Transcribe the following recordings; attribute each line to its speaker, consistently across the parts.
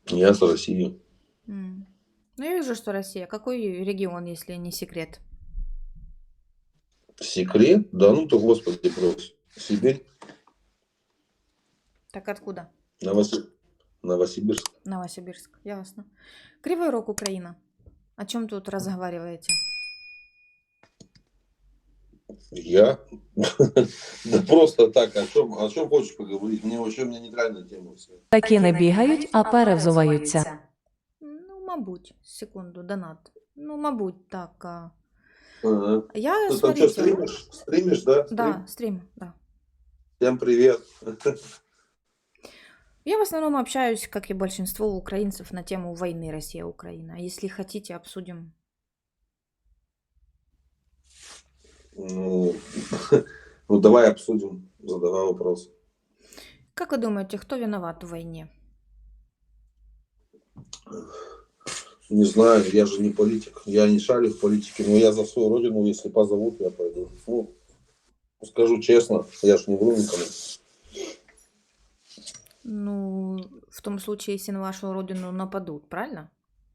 Speaker 1: Я с России.
Speaker 2: М. Ну, я вижу, что Россия. Какой регион, если не секрет?
Speaker 1: Секрет? Да ну ты, господи, брось. Сибирь,
Speaker 2: Так откуда?
Speaker 1: Новоси- Новосибирск.
Speaker 2: Новосибирск. Ясно. Кривой Рог, Украина. О чем тут разговариваете?
Speaker 1: Я? Да просто так, о чем хочешь поговорить? Мне вообще, у меня нейтральная тема все.
Speaker 3: Такі не бігають, а перевзуваються.
Speaker 2: Ну, мабуть, секунду, донат. Ну, мабуть, так.
Speaker 1: Ага.
Speaker 2: Я,
Speaker 1: Ты там что,
Speaker 2: смотрите,
Speaker 1: стримишь? Стримишь, да?
Speaker 2: да,
Speaker 1: Стрим?
Speaker 2: стрим, да.
Speaker 1: Всем привет.
Speaker 2: Я в основном общаюсь, как и большинство украинцев, на тему войны Россия-Украина. Если хотите, обсудим.
Speaker 1: Ну, ну, давай обсудим, задавай вопрос.
Speaker 2: Как вы думаете, кто виноват в войне?
Speaker 1: Не знаю, я же не политик, я не шарю в политике, но я за свою родину, если позовут, я пойду. Ну, скажу честно, я же не вру никому.
Speaker 2: Ну, в том случае, если на вашу родину нападут, правильно?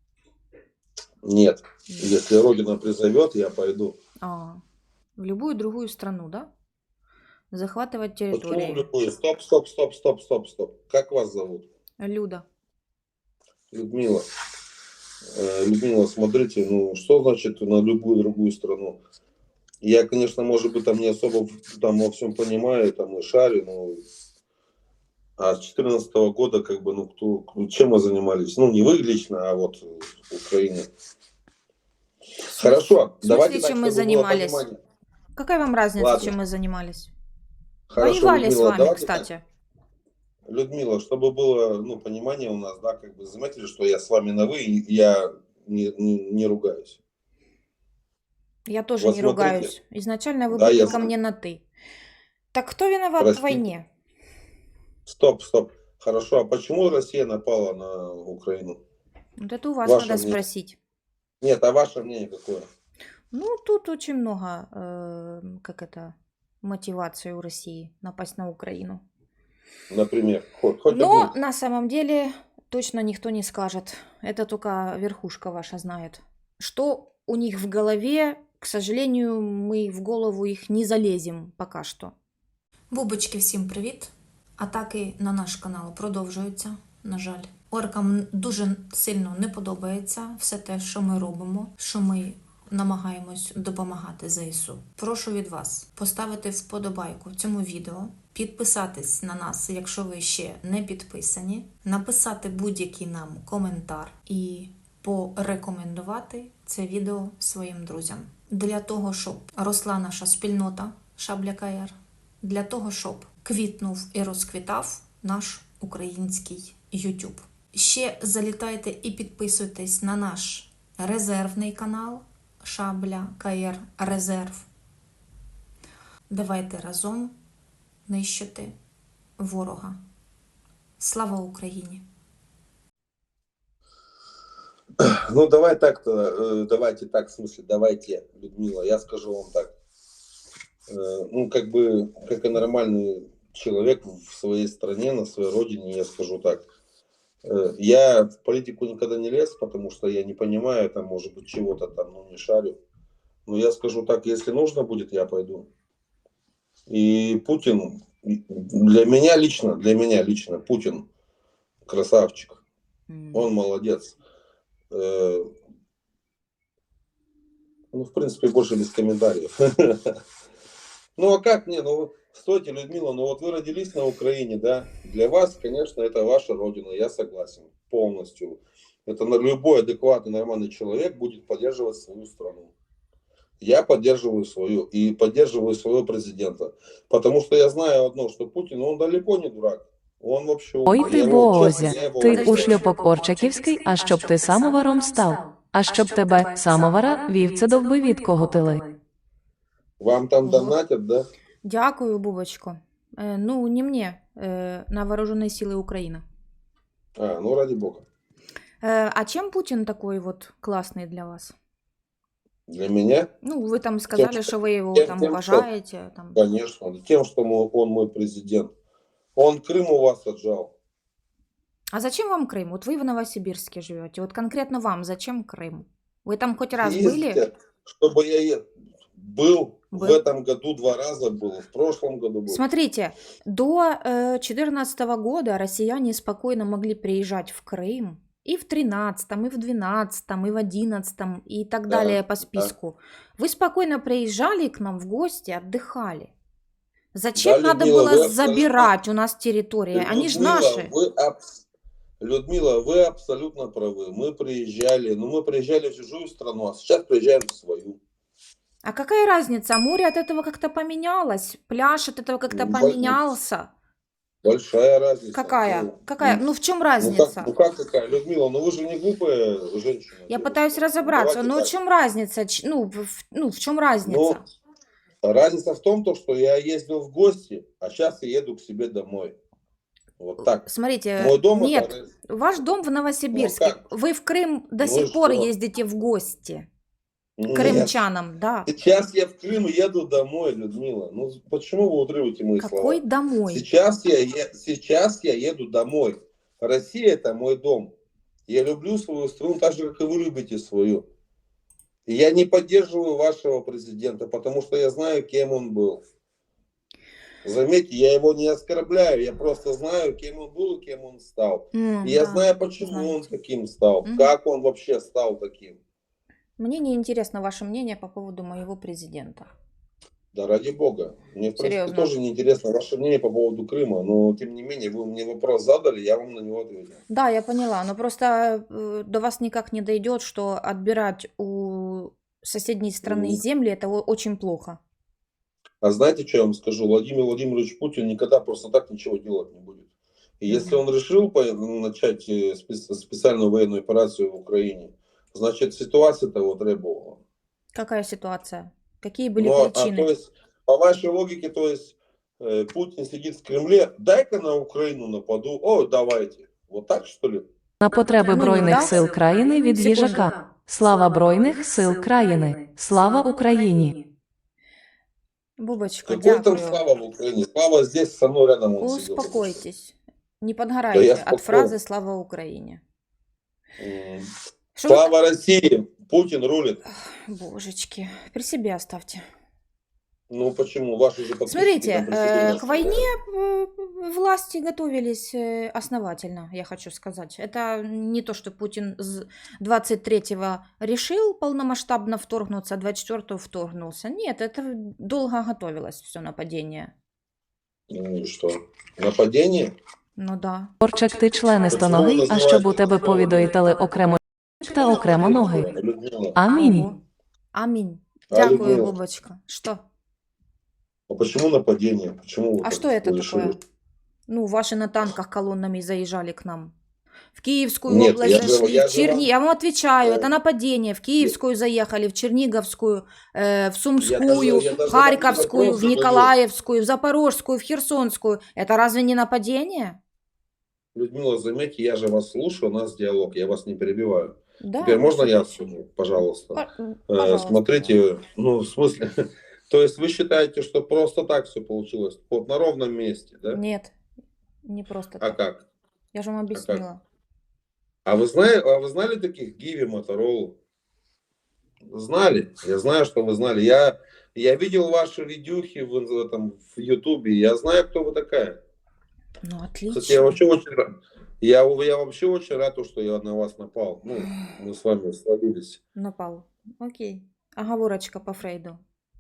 Speaker 1: Нет, если родина призовет, я пойду.
Speaker 2: В любую другую страну, да? Захватывать
Speaker 1: Почему в
Speaker 2: территории.
Speaker 1: любую? Стоп, стоп, стоп, стоп, стоп, стоп. Как вас зовут?
Speaker 2: Люда.
Speaker 1: Людмила. Людмила, смотрите, ну что значит на любую другую страну? Я, конечно, может быть, там не особо там во всем понимаю, там и шарю, но а с 2014 года, как бы, чем мы занимались? Ну, не вы лично, а вот Украина. Хорошо,
Speaker 2: В смысле,
Speaker 1: давайте так,
Speaker 2: чем мы
Speaker 1: чтобы было
Speaker 2: занимались?
Speaker 1: понимание.
Speaker 2: Какая вам разница,
Speaker 1: Ладно,
Speaker 2: чем мы занимались?
Speaker 1: хорошо,
Speaker 2: Воевали с
Speaker 1: Людмила,
Speaker 2: вами,
Speaker 1: давайте так.
Speaker 2: кстати.
Speaker 1: Людмила, чтобы было, ну, понимание у нас, да, как бы заметили, что я с вами на вы, и я не ругаюсь.
Speaker 2: Я тоже
Speaker 1: Вот
Speaker 2: не
Speaker 1: смотрите,
Speaker 2: ругаюсь. Изначально вы
Speaker 1: да,
Speaker 2: были
Speaker 1: я
Speaker 2: ко мне на «ты». Так кто виноват в
Speaker 1: простите.
Speaker 2: войне?
Speaker 1: Стоп, стоп. Хорошо, а почему Россия напала на Украину?
Speaker 2: Вот это у вас
Speaker 1: Ваше
Speaker 2: надо
Speaker 1: мнение.
Speaker 2: спросить.
Speaker 1: Нет, а ваше мнение какое?
Speaker 2: Ну, тут очень много, мотивации у России напасть на Украину.
Speaker 1: Например, хоть
Speaker 2: Но
Speaker 1: одну.
Speaker 2: на самом деле точно никто не скажет. Это только верхушка ваша знает. Что у них в голове, к сожалению, мы в голову их не залезем пока що.
Speaker 4: Бубочки, всім привіт! Атаки на наш канал продовжуються, на жаль. Оркам дуже сильно не подобається все те, що ми робимо, що ми намагаємось допомагати ЗСУ. Прошу від вас поставити вподобайку цьому відео, підписатись на нас, якщо ви ще не підписані, написати будь-який нам коментар і порекомендувати це відео своїм друзям. Для того, щоб росла наша спільнота Шабля КР, для того, щоб квітнув і розквітав наш український YouTube. Ще залітайте і підписуйтесь на наш резервний канал Шабля КР Резерв. Давайте разом нищити ворога. Слава Україні!
Speaker 1: Ну, давай так-то, давайте так, в смысле, давайте, Людмила, я скажу вам так. Ну, как бы, как и нормальный человек в своей стране, на своей родине, я скажу так. Я в политику никогда не лез, потому что я не понимаю, там, может быть, чего-то там, ну, не шарю. Но я скажу так, если нужно будет, я пойду. И Путин, для меня лично, Путин красавчик. Он молодец. Ну, в принципе, больше без комментариев. Ну, а как мне? Ну, стойте, Людмила, ну вот вы родились на Украине, да? Для вас, конечно, это ваша родина, я согласен полностью. Это любой адекватный, нормальный человек будет поддерживать свою страну. Я поддерживаю свою и поддерживаю своего президента. Потому что я знаю одно, что Путин, он далеко не дурак. Он вообще
Speaker 3: Ой
Speaker 1: умный.
Speaker 3: ти
Speaker 1: Я его, честно,
Speaker 3: Бозя,
Speaker 1: я его
Speaker 3: ти
Speaker 1: уважаю.
Speaker 3: ушльопок Орчаківський, а щоб ти самоваром став, а щоб тебе, самовара, вівце довби відкоготили.
Speaker 1: Вам там
Speaker 2: Ого.
Speaker 1: донатят, да?
Speaker 2: Дякую, Бубочко. Ну, не мне, на вооруженные силы Украины.
Speaker 1: Ну ради бога.
Speaker 2: А чем Путин такой вот классный для вас?
Speaker 1: Для меня?
Speaker 2: Ну, вы там сказали,
Speaker 1: Тем,
Speaker 2: что вы его
Speaker 1: тем,
Speaker 2: там
Speaker 1: что,
Speaker 2: уважаете. Там.
Speaker 1: конечно, тем, что он мой президент. Он Крым у вас отжал.
Speaker 2: А зачем вам Крым? Вот вы в Новосибирске живете. Вот конкретно вам зачем Крым? Вы там хоть раз были?
Speaker 1: Ездите, чтобы я был в
Speaker 2: Был.
Speaker 1: этом году 2 раза был, в прошлом году был.
Speaker 2: Смотрите, до 2014 года россияне спокойно могли приезжать в Крым и в 13-м, и в 12-м, и в 11-м, и так
Speaker 1: Да,
Speaker 2: далее по
Speaker 1: да.
Speaker 2: списку. Вы спокойно приезжали к нам в гости, отдыхали. Зачем
Speaker 1: Да,
Speaker 2: надо
Speaker 1: Людмила,
Speaker 2: было
Speaker 1: вы
Speaker 2: забирать у нас территории? Они же наши.
Speaker 1: Людмила, вы абсолютно правы. Мы приезжали в чужую страну, а сейчас приезжаем в свою.
Speaker 2: А какая разница? Море от этого как-то поменялось, пляж от этого как-то
Speaker 1: Ну,
Speaker 2: поменялся.
Speaker 1: Большая разница.
Speaker 2: Какая? Какая? Ну в чем разница?
Speaker 1: Как какая? Людмила, ну вы же не глупая женщина.
Speaker 2: Я
Speaker 1: девушка.
Speaker 2: пытаюсь разобраться.
Speaker 1: Давайте
Speaker 2: Ну в
Speaker 1: так.
Speaker 2: чем разница? В чем разница?
Speaker 1: Разница в том, что я ездил в гости, а сейчас я еду к себе домой. Вот так.
Speaker 2: Смотрите,
Speaker 1: Мой дом
Speaker 2: нет,
Speaker 1: это...
Speaker 2: ваш дом в Новосибирске.
Speaker 1: Ну, как?
Speaker 2: Вы в Крым до
Speaker 1: Ну,
Speaker 2: сих пор
Speaker 1: что?
Speaker 2: ездите в гости.
Speaker 1: Нет.
Speaker 2: Крымчанам, да.
Speaker 1: Сейчас я в Крым еду домой, Людмила. Ну почему вы утрываете мои
Speaker 2: Какой
Speaker 1: слова?
Speaker 2: домой?
Speaker 1: Сейчас я еду домой. Россия это мой дом. Я люблю свою страну так же, как и вы любите свою. И я не поддерживаю вашего президента, потому что я знаю, кем он был. Заметьте, я его не оскорбляю, я просто знаю, кем он был и кем он стал. И я знаю, почему он таким стал, как он вообще стал таким.
Speaker 2: Мне не интересно ваше мнение по поводу моего президента.
Speaker 1: Да ради бога. Мне, в принципе,
Speaker 2: Серьезно.
Speaker 1: тоже не интересно ваше мнение по поводу Крыма, но тем не менее, вы мне вопрос задали, я вам на него ответил.
Speaker 2: Да, я поняла, но просто до вас никак не дойдет, что отбирать у соседней страны земли это очень плохо.
Speaker 1: А знаете, что я вам скажу? Владимир Владимирович Путин никогда просто так ничего делать не будет. И если он решил начать специальную военную операцию в Украине, значит, ситуация того требовала.
Speaker 2: Какая ситуация? Какие были причины?
Speaker 1: То есть, по вашей логике, то есть, Путин сидит в Кремле, дай-ка на Украину нападу, о, давайте. Вот так, что ли?
Speaker 3: На потреби
Speaker 2: Ну,
Speaker 3: Збройних
Speaker 2: да.
Speaker 3: сил країни від
Speaker 2: Секунду.
Speaker 3: їжака. Слава Збройних сил країни. Слава Україні.
Speaker 2: Бубочка,
Speaker 1: Какой там
Speaker 2: дякую.
Speaker 1: Слава в Украине? Слава здесь, со мной рядом он сидел.
Speaker 2: Успокойтесь. Не
Speaker 1: Да
Speaker 2: подгорайте
Speaker 1: я
Speaker 2: от
Speaker 1: спокоен.
Speaker 2: фразы «Слава Украине». Что
Speaker 1: Слава России! Путин рулит.
Speaker 2: Божечки, при себе оставьте.
Speaker 1: Ну почему? Ваши же подписчики
Speaker 2: Смотрите,
Speaker 1: там при себе
Speaker 2: к войне власти готовились основательно, я хочу сказать. Это не то, что Путин с 23-го решил полномасштабно вторгнуться, а 24-го вторгнулся. Нет, это долго готовилось все нападение.
Speaker 1: Ну и что? Нападение?
Speaker 2: Ну да.
Speaker 3: Орчик, ти членистоногий, а щоб у тебе повідоїтали окремо та окремо ноги.
Speaker 1: Людмила.
Speaker 3: Амінь.
Speaker 2: Ого. Аминь.
Speaker 1: А,
Speaker 2: Дякую,
Speaker 1: Людмила.
Speaker 2: Бубочка. Что?
Speaker 1: А почему нападение? Почему вы
Speaker 2: А
Speaker 1: так
Speaker 2: что это
Speaker 1: решили?
Speaker 2: такое? Ну, ваши на танках колоннами заезжали к нам. В Киевскую
Speaker 1: Нет,
Speaker 2: область
Speaker 1: я же-
Speaker 2: зашли,
Speaker 1: я
Speaker 2: в
Speaker 1: же
Speaker 2: Черни...
Speaker 1: вам-
Speaker 2: Я вам отвечаю,
Speaker 1: Да.
Speaker 2: это нападение. В Киевскую заехали, в Черниговскую, в Сумскую,
Speaker 1: я даже
Speaker 2: в Харьковскую,
Speaker 1: вам
Speaker 2: в
Speaker 1: вопрос
Speaker 2: Николаевскую, в Запорожскую, в Херсонскую. Это разве не нападение?
Speaker 1: Людмила, заметьте, я же вас слушаю, у нас диалог, я вас не перебиваю.
Speaker 2: Да.
Speaker 1: Теперь можно я
Speaker 2: конечно.
Speaker 1: скажу, пожалуйста?
Speaker 2: Пожалуйста.
Speaker 1: Смотрите, ну в смысле, то есть вы считаете, что просто так все получилось, вот на ровном месте, да?
Speaker 2: Нет, не просто
Speaker 1: А
Speaker 2: так.
Speaker 1: как?
Speaker 2: Я же вам
Speaker 1: как?
Speaker 2: объяснила.
Speaker 1: А вы знали таких Гиви, Моторолу? Знали? Я знаю, что вы знали. Я видел ваши видюхи в Ютубе. Я знаю, кто вы такая.
Speaker 2: Ну,
Speaker 1: Кстати,
Speaker 2: отлично.
Speaker 1: я вообще очень рад. Я вообще очень рад, что я на вас напал. Ну, мы с вами сложились.
Speaker 2: Напал. Окей. Оговорочка по Фрейду.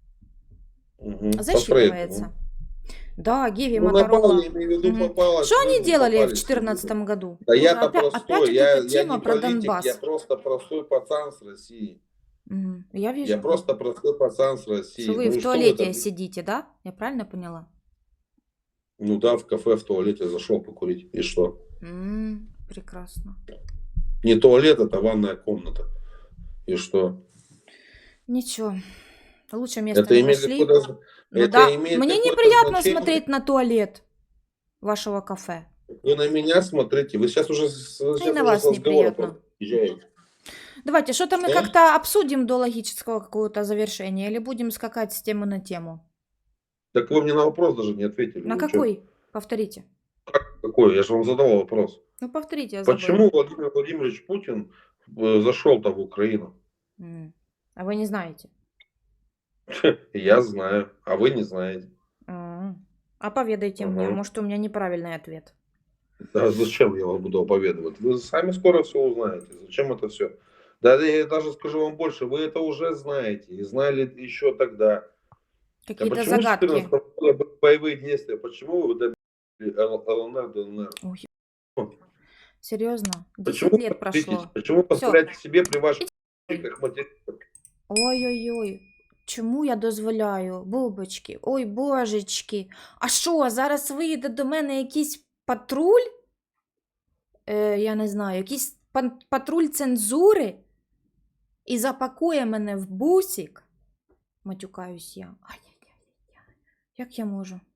Speaker 1: Угу.
Speaker 2: Засчитывается. Да, Гиви,
Speaker 1: Ну,
Speaker 2: Моторола.
Speaker 1: напал, я имею в виду,
Speaker 2: Мгм.
Speaker 1: попалось.
Speaker 2: Что они
Speaker 1: вы
Speaker 2: делали в
Speaker 1: попались.
Speaker 2: 2014 году?
Speaker 1: Да
Speaker 2: Вот
Speaker 1: я-то
Speaker 2: опять
Speaker 1: простой,
Speaker 2: вот
Speaker 1: я
Speaker 2: эта тема
Speaker 1: не
Speaker 2: про
Speaker 1: политик,
Speaker 2: Донбасс.
Speaker 1: я просто простой пацан с России.
Speaker 2: Мгм. Я вижу,
Speaker 1: Я просто простой пацан с России.
Speaker 2: что вы
Speaker 1: Ну и
Speaker 2: в
Speaker 1: что
Speaker 2: туалете
Speaker 1: это?
Speaker 2: сидите, да? Я правильно поняла?
Speaker 1: Ну да, в кафе, в туалете зашел покурить. И что?
Speaker 2: Прекрасно.
Speaker 1: Не туалет, это ванная комната. И что?
Speaker 2: Ничего. Лучше место
Speaker 1: Это
Speaker 2: не
Speaker 1: имеет
Speaker 2: нашли.
Speaker 1: какое-то...
Speaker 2: Ну
Speaker 1: это
Speaker 2: да,
Speaker 1: имеет
Speaker 2: мне
Speaker 1: какое-то
Speaker 2: неприятно
Speaker 1: значение?
Speaker 2: смотреть на туалет вашего кафе.
Speaker 1: Вы на меня смотрите. Вы сейчас уже
Speaker 2: на вас неприятно.
Speaker 1: подъезжаете.
Speaker 2: Давайте, что-то мы
Speaker 1: Что?
Speaker 2: как-то обсудим до логического какого-то завершения или будем скакать с темы на тему?
Speaker 1: Так вы мне на вопрос даже не ответили.
Speaker 2: На
Speaker 1: Вы чё?
Speaker 2: какой? Повторите.
Speaker 1: Какой? Я же вам задал вопрос.
Speaker 2: Ну, повторите, я забыла.
Speaker 1: Почему Владимир Владимирович Путин зашел-то в Украину?
Speaker 2: А вы не знаете?
Speaker 1: Я знаю, а вы не знаете.
Speaker 2: А поведайте мне,
Speaker 1: Ага.
Speaker 2: может, у меня неправильный ответ.
Speaker 1: Да зачем я вам буду оповедовать? Вы сами скоро все узнаете. Зачем это все? Да я даже скажу вам больше, вы это уже знаете и знали еще тогда. А
Speaker 2: Какие-то
Speaker 1: почему с
Speaker 2: загадки.
Speaker 1: 14 года боевые действия? Почему вы добили ЛНР, ДНР?
Speaker 2: Ой, серьезно? 10
Speaker 1: Почему
Speaker 2: лет
Speaker 1: повторитесь?
Speaker 2: прошло.
Speaker 1: Почему позволяете себе при ваших
Speaker 2: Ой.
Speaker 1: криках материться?
Speaker 2: Ой-ой-ой. Чому я дозволяю? Бубочки. Ой, божечки. А що, зараз вийде до мене якийсь патруль? Я не знаю, якийсь патруль цензури? І запакує мене в бусик? Матюкаюсь я. Ай-яй-яй. Як я можу?